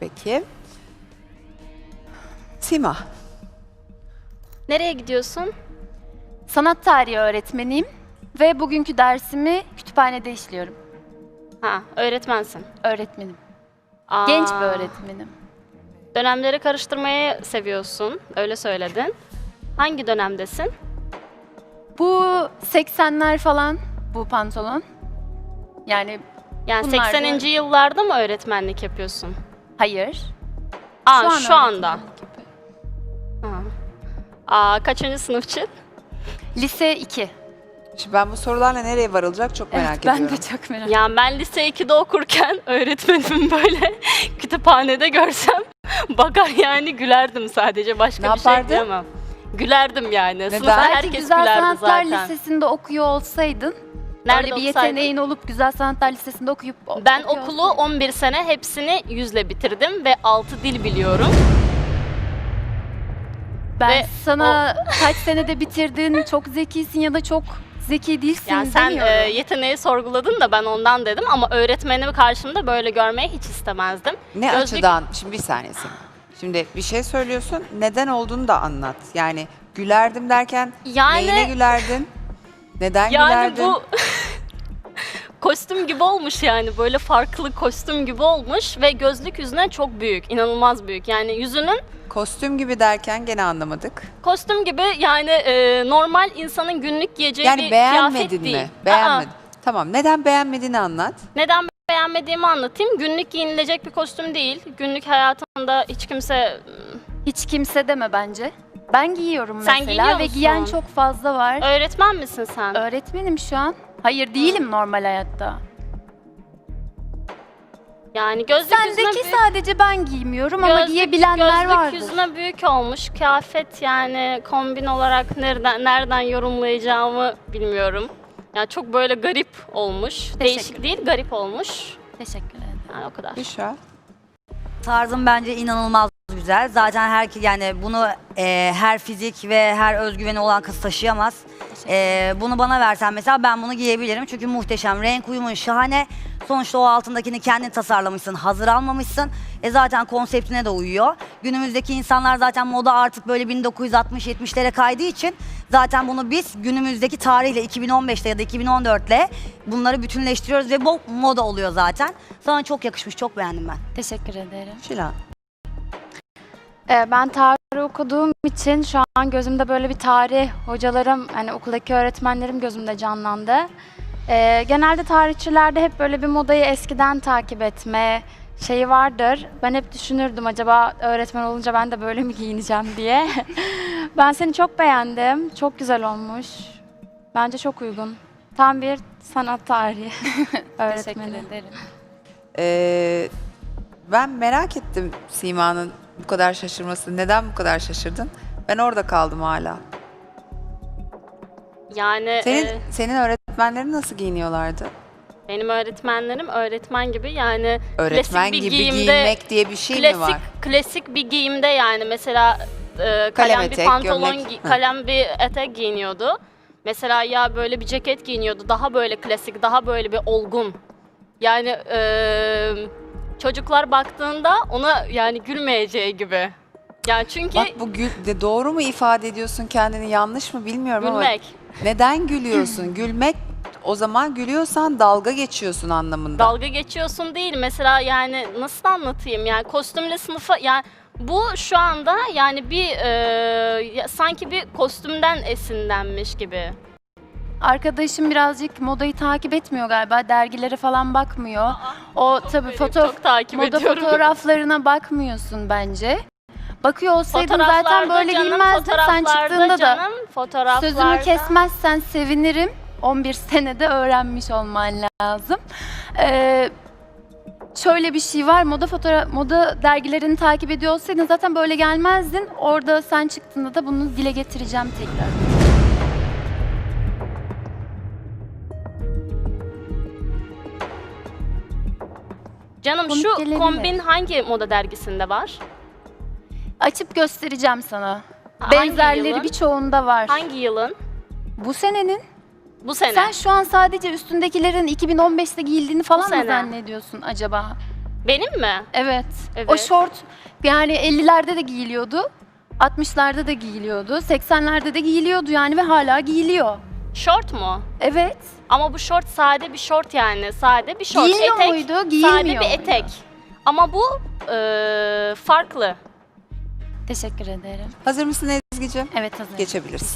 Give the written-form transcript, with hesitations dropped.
Peki. Sima. Nereye gidiyorsun? Sanat tarihi öğretmeniyim ve bugünkü dersimi kütüphanede işliyorum. Ha, öğretmensin. Öğretmenim. Aa, Genç bir öğretmenim. Dönemleri karıştırmayı seviyorsun, öyle söyledin. Hangi dönemdesin? Bu 80'ler falan bu pantolon. Yani Yani bunlar da- 80. yıllarda mı öğretmenlik yapıyorsun? hayır. Aa, an şu anda. öğretmenlik yapıyorum. Kaçıncı sınıfçı? Lise 2. Şimdi ben bu sorularla nereye varılacak çok merak Evet, ediyorum. ben de çok merak ediyorum. Yani ben lise 2'de okurken öğretmenimi böyle kütüphanede görsem bakar yani gülerdim sadece. Başka Ne bir şey yapardın? diyemem. Gülerdim yani. Neden? Sınıfta Belki herkes Güzel gülerdi Sanatlar zaten. Lisesi'nde okuyor olsaydın, Nerede öyle bir okusaydın? yeteneğin olup Güzel Sanatlar Lisesi'nde okuyup Ben okuyor okulu olsaydın. 11 sene hepsini 100'le bitirdim ve 6 dil biliyorum. Ben ve sana kaç senede bitirdin, çok zekisin ya da çok zeki değilsin Yani sen demiyorum. yeteneği sorguladın da ben ondan dedim ama öğretmenimi karşımda böyle görmeyi hiç istemezdim. Ne açıdan? Şimdi bir saniye Sima. Şimdi bir şey söylüyorsun. Neden olduğunu da anlat. Yani gülerdim derken Yani- neyine gülerdin? Neden Yani gülerdin? bu kostüm gibi olmuş yani böyle farklı kostüm gibi olmuş ve gözlük yüzüne çok büyük, inanılmaz büyük. Yani yüzünün Kostüm gibi derken gene anlamadık. kostüm gibi yani normal insanın günlük giyeceği Yani bir beğenmedin kıyafet değil. mi? Beğenmedin. Tamam. Neden beğenmediğini anlat. Neden beğenmediğimi anlatayım. Günlük giyinilecek bir kostüm değil. Günlük hayatında hiç kimse Hiç kimse deme bence. Ben giyiyorum Sen mesela giyiyor ve musun? giyen çok fazla var. öğretmen misin sen? Öğretmenim şu an. Hayır değilim normal hayatta. Yani gözlük yüzüne Sendeki büyük. sadece ben giymiyorum ama Gözlük- giyebilenler gözlük vardır. yüzüne büyük olmuş. Kıyafet yani kombin olarak nereden yorumlayacağımı bilmiyorum. Yani çok böyle garip olmuş. Değişik değil, garip olmuş. Teşekkür ederim. Yani o kadar. Büşra. Tarzım bence inanılmaz güzel. Zaten yani bunu her fizik ve her özgüveni olan kız taşıyamaz. Bunu bana versen mesela ben bunu giyebilirim. Çünkü muhteşem. Renk uyumun şahane. Sonuçta o altındakini kendin tasarlamışsın, hazır almamışsın. Zaten konseptine de uyuyor. Günümüzdeki insanlar zaten moda artık böyle 1960-70'lere kaydığı için zaten bunu biz günümüzdeki tarihle 2015'te ya da 2014'le bunları bütünleştiriyoruz ve bu moda oluyor zaten. Sana çok yakışmış, çok beğendim ben. Teşekkür ederim. Şilan. Ben tarih okuduğum için şu an gözümde böyle bir tarih hocalarım, hani okuldaki öğretmenlerim gözümde canlandı. Genelde tarihçilerde hep böyle bir modayı eskiden takip etme şeyi vardır. Ben hep düşünürdüm acaba öğretmen olunca ben de böyle mi giyineceğim diye. Ben seni çok beğendim. Çok güzel olmuş. Bence çok uygun. Tam bir sanat tarihi öğretmeni. Teşekkür ederim. Ben merak ettim Sima'nın bu kadar şaşırması. Neden bu kadar şaşırdın? Ben orada kaldım hala. Yani Senin öğretmenlerin nasıl giyiniyorlardı? benim öğretmenlerim öğretmen gibi yani Öğretmen klasik bir gibi giyimde, giyinmek diye bir şey mi var? Klasik bir giyimde yani mesela Kalem kalem bir etek, pantolon, gömlek. kalem bir etek giyiniyordu. Mesela ya böyle bir ceket giyiniyordu. Daha böyle klasik, daha böyle bir olgun. Yani çocuklar baktığında ona yani gülmeyeceği gibi. Yani çünkü Bak bu doğru mu ifade ediyorsun kendini yanlış mı bilmiyorum ama gülmek. neden gülüyorsun? Gülmek o zaman gülüyorsan dalga geçiyorsun anlamında. Dalga geçiyorsun değil. Mesela yani nasıl anlatayım? Yani kostümle sınıfa yani bu şu anda yani bir sanki bir kostümden esinlenmiş gibi. Arkadaşım birazcık modayı takip etmiyor galiba. Dergilere falan bakmıyor. O tabii Çok takip moda ediyorum. fotoğraflarına bakmıyorsun bence. Bakıyor olsaydın zaten Fotoğraflarda böyle canım, giyinmezdin. Sen fotoğraflarda çıktığında da canım, fotoğraflarda. sözümü kesmezsen sevinirim. 11 senede öğrenmiş olman lazım. Şöyle bir şey var. Moda dergilerini takip ediyor olsaydın zaten böyle gelmezdin. Orada sen çıktığında da bunu dile getireceğim tekrar. Canım Komik şu gelebilir. kombin hangi moda dergisinde var? Açıp göstereceğim sana. Hangi Benzerleri yılın? birçoğunda var. Hangi yılın? Bu senenin. Bu sene. Sen şu an sadece üstündekilerin 2015'te giyildiğini falan mı sene. zannediyorsun acaba? Benim mi? Evet. Evet. O şort yani 50'lerde de giyiliyordu. 60'larda da giyiliyordu. 80'lerde de giyiliyordu yani ve hala giyiliyor. Şort mu? Evet. Ama bu şort sade bir şort yani. Sade bir şort. Giyilmiyor etek, muydu? Giyilmiyor sade bir muydu? etek. Ama bu farklı. Teşekkür ederim. Hazır mısın Ezgi'ciğim? Evet hazırım. Geçebiliriz.